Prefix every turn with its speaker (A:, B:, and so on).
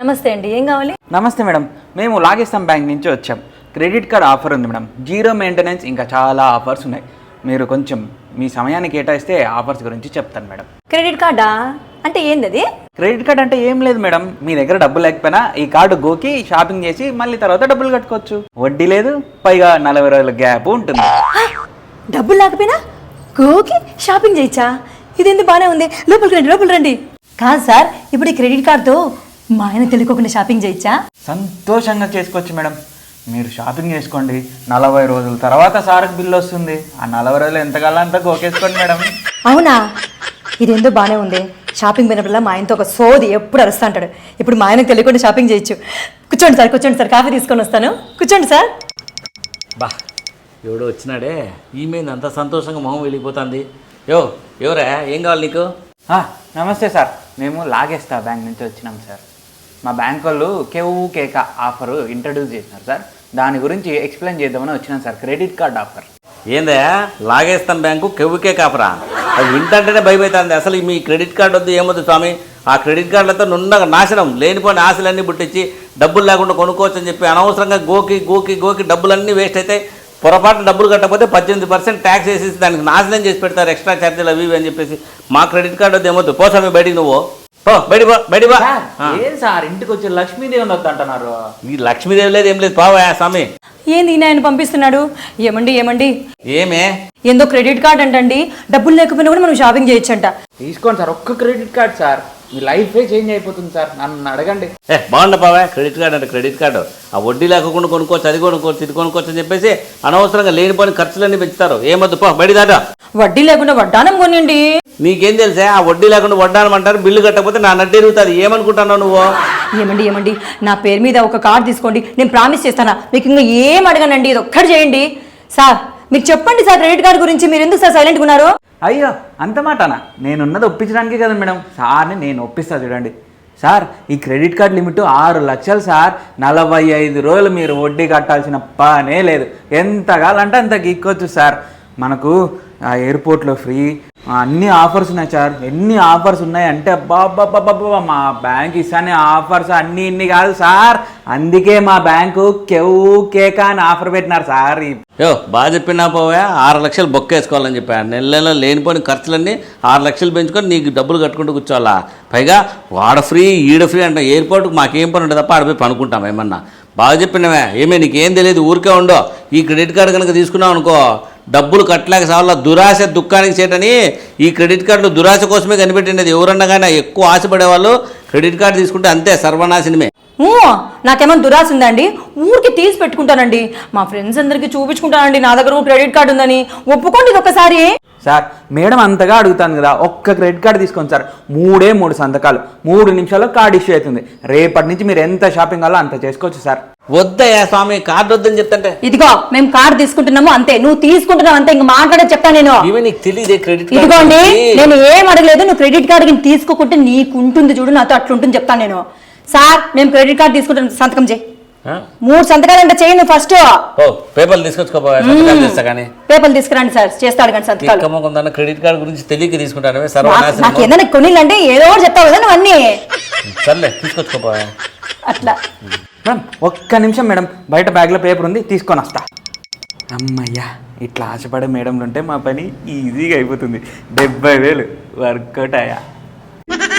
A: నమస్తే అండి, ఏం కావాలి?
B: నమస్తే మేడం, మేము లాగేస్తాం బ్యాంక్ నుంచి వచ్చాం. క్రెడిట్ కార్డ్ ఆఫర్ ఉంది మేడం, జీరో మెయింటెనెన్స్, ఇంకా చాలా ఆఫర్స్ ఉన్నాయి. మీరు కొంచెం మీ సమయాన్ని కేటాయిస్తే ఆఫర్స్ గురించి చెప్తాను మేడం.
A: క్రెడిట్ కార్డా అంటే ఏంది అది?
B: క్రెడిట్ కార్డ్ అంటే ఏం లేదు మేడం, మీ దగ్గర డబ్బు లేకపోయినా ఈ కార్డు గోకి షాపింగ్ చేసి మళ్ళీ తర్వాత డబ్బులు కట్టుకోవచ్చు. వడ్డీ లేదు, పైగా 40 రోజుల గ్యాప్ ఉంటుంది.
A: డబ్బులు లేకపోయినా గోకి షాపింగ్ చేయొచ్చా? ఇదేంది బాగానే ఉంది. లోపలికి రండి. కాదు సార్, ఇప్పుడు ఈ క్రెడిట్ కార్డుతో మా ఆయన తెలియకోకుండా షాపింగ్ చేయొచ్చా?
B: సంతోషంగా చేసుకోవచ్చు మేడం. మీరు షాపింగ్ చేసుకోండి, 40 రోజుల తర్వాత సార్కి బిల్లు వస్తుంది. ఆ 40 రోజులు ఎంతకాలం అంతా గోకేసుకోండి మేడం.
A: అవునా? ఇదేందో బాగానే ఉంది. షాపింగ్ పోయినప్పుడల్లా మా ఆయనతో ఒక సోది ఎప్పుడు అరుస్తా అంటాడు. ఇప్పుడు మా ఆయనకు తెలియకుండా షాపింగ్ చేయొచ్చు. కూర్చోండి సార్, కాఫీ తీసుకొని వస్తాను. కూర్చోండి సార్.
C: బా, ఎవడో వచ్చినాడే, ఈమె అంత సంతోషంగా మొహం వెళ్ళిపోతుంది. ఎవరా, ఏం కావాలి నీకు?
B: నమస్తే సార్, మేము లాగేస్తా బ్యాంక్ నుంచి వచ్చినాం సార్. మా బ్యాంక్ వాళ్ళు కేక ఆఫర్ ఇంట్రడ్యూస్ చేసినారు సార్, దాని గురించి ఎక్స్ప్లెయిన్ చేద్దామని వచ్చినాం సార్. Credit card offer.
C: ఏందా లాగేస్తాను బ్యాంకు కెవ్వుకే కాపరా? అది వింటంటేనే భయమవుతుంది. అసలు మీ క్రెడిట్ కార్డు వద్దు, ఏమొద్దు స్వామి. ఆ క్రెడిట్ కార్డులతో నున్నగా నాశనం, లేనిపోయిన ఆశలన్నీ పుట్టించి డబ్బులు లేకుండా కొనుక్కోవచ్చు అని చెప్పి అనవసరంగా గోకి డబ్బులన్నీ వేస్ట్ అయితే, పొరపాటు డబ్బులు కట్టకపోతే 18% ట్యాక్స్ వేసేసి దానికి నాశనం చేసి పెడతారు, ఎక్స్ట్రా ఛార్జీలు అవి అని చెప్పేసి. మా క్రెడిట్ కార్డు వద్దు, ఏమొద్దు. పోసామి బయటికి, నువ్వు బయటికి.
B: ఏం సార్, ఇంటికి వచ్చి లక్ష్మీదేవి వద్దు అంటున్నారు?
C: ఈ లక్ష్మీదేవి లేదు, ఏం లేదు, పావా స్వామి.
A: ఏంది ఆయన పంపిస్తున్నాడు? ఏమండి
C: ఏమే
A: ఏందో క్రెడిట్ కార్డ్ అంటండి, డబ్బులు లేకపోయినా కూడా మనం షాపింగ్ చేయొచ్చంట.
B: తీసుకోండి సార్, ఒక్క క్రెడిట్ కార్డ్ సార్, మీ లైఫే చేంజ్ అయిపోతుంది సార్. నన్ను అడగండి.
C: బాగుండ పావా. క్రెడిట్ కార్డు అంటే క్రెడిట్ కార్డు, ఆ వడ్డీ లేకుండా కొనుక్కోవచ్చు, అది కొనుక్కోవచ్చు, ఇది కొనుక్కోవచ్చు అని చెప్పేసి అనవసరంగా లేనిపోయిన ఖర్చులన్నీ పెంచుతారు. ఏమొద్దు, బయట దాటా.
A: వడ్డీ లేకుండా వడ్డానం కొనండి.
C: నీకేం తెలుసా? ఆ వడ్డీ లేకుండా వడ్డానం అంటారు, బిల్లు కట్టకపోతే నా నడ్డి ఎరుగుతుంది. ఏమనుకుంటున్నావు నువ్వు?
A: ఏమండి, నా పేరు మీద ఒక కార్డు తీసుకోండి, నేను ప్రామిస్ చేస్తానా, మీకు ఇంకా ఏం అడగనండి, ఇది ఒక్కటి చేయండి సార్. మీరు చెప్పండి సార్ క్రెడిట్ కార్డు గురించి. మీరు ఎందుకు సార్ సైలెంట్గా ఉన్నారు?
B: అయ్యో, అంత మాటనా? నేనున్నది ఒప్పించడానికే కదా మేడం. సార్ని నేను ఒప్పిస్తా చూడండి. సార్, ఈ క్రెడిట్ కార్డ్ లిమిట్ 6 లక్షలు సార్. 45 రోజులు మీరు వడ్డీ కట్టాల్సిన పనే లేదు. ఎంత కావాలంటే అంత గీక్కొచ్చు సార్. మనకు ఆ ఎయిర్పోర్ట్లో ఫ్రీ, అన్ని ఆఫర్స్ ఉన్నాయి సార్. ఎన్ని ఆఫర్స్ ఉన్నాయి అంటే అబ్బా, మా బ్యాంక్ ఇస్తానే ఆఫర్స్ అన్నీ ఇన్ని కాదు సార్. అందుకే మా బ్యాంకు కేక అని ఆఫర్ పెట్టినారు సార్.
C: బాగా చెప్పినా పోవా. 6 లక్షలు బొక్కేసుకోవాలని చెప్పా. నెల లేనిపోయిన ఖర్చులన్నీ 6 లక్షలు పెంచుకొని నీకు డబ్బులు కట్టుకుంటూ కూర్చోవాలా? పైగా వాడ ఫ్రీ ఈడ ఫ్రీ అంట. ఎయిర్పోర్ట్కి మాకేం పని ఉంటుంది తప్ప ఆడిపోయి పనుకుంటాం ఏమన్నా. బాగా చెప్పినవే. ఏమే నీకేం తెలియదు, ఊరికే ఉండో. ఈ క్రెడిట్ కార్డు కనుక తీసుకున్నావు అనుకో, డబ్బులు కట్టలేక సార్లు దురాశ దుఃఖానికి చేటని ఈ క్రెడిట్ కార్డులు దురాశ కోసమే కనిపెట్టినది. ఎవరన్నా కానీ ఎక్కువ ఆశపడే వాళ్ళు క్రెడిట్ కార్డు తీసుకుంటే అంతే, సర్వనాశనమే.
A: నాకేమన్నా దురాశ ఉందండి? ఊరికి తీసి పెట్టుకుంటానండి, మా ఫ్రెండ్స్ అందరికీ చూపించుకుంటానండి నా దగ్గర క్రెడిట్ కార్డు ఉందని. ఒప్పుకోండి ఇది ఒకసారి.
B: సార్, మేడం అంతగా అడుగుతాను కదా, ఒక్క క్రెడిట్ కార్డు తీసుకోండి సార్. 3 సంతకాలు, 3 నిమిషాల్లో కార్డు ఇష్యూ అవుతుంది. రేపటి నుంచి మీరు ఎంత షాపింగ్ కావాలో అంత చేసుకోవచ్చు సార్.
C: వద్దయా స్వామి, కార్డు వద్దని చెప్తాంటే.
A: ఇదిగో మేము కార్డు తీసుకుంటున్నాము అంతే, నువ్వు తీసుకుంటున్నావు అంతే, ఇంక మాట్లాడే చెప్తాను నేను.
C: నీకు తెలియదే క్రెడిట్ కార్డు.
A: ఇదిగోండి, నేను ఏం అడగలేదు. నువ్వు క్రెడిట్ కార్డు తీసుకోకుంటే నీకుంటుంది చూడు, నాతో అట్లుంటుంది చెప్తాను నేను. సార్, మేము క్రెడిట్ కార్డు తీసుకుంటాం, సంతకం చేయి. 3 సంతకాలు అంటే చేయండి ఫస్ట్.
C: పేపర్లు తీసుకొచ్చుకోపోయా, కానీ పేపర్లు తీసుకురండి సార్, చేస్తాడు కానీ సంతకాలు. క్రెడిట్ కార్డు గురించి తెలియక తీసుకుంటాను.
A: నాకు ఏదైనా కొనిలంటే ఏదో చెప్తావు కదా నువ్వు అన్నీ.
C: సర్లే, తీసుకొచ్చుకోపోయా.
A: అట్లా
B: మేడం, ఒక్క నిమిషం మేడం, బయట బ్యాగ్లో పేపర్ ఉంది, తీసుకొని వస్తా. అమ్మయ్యా, ఇట్లా ఆశపడే మేడంలు ఉంటే మా పని ఈజీగా అయిపోతుంది. 70,000 వర్కౌట్ అయ్యా.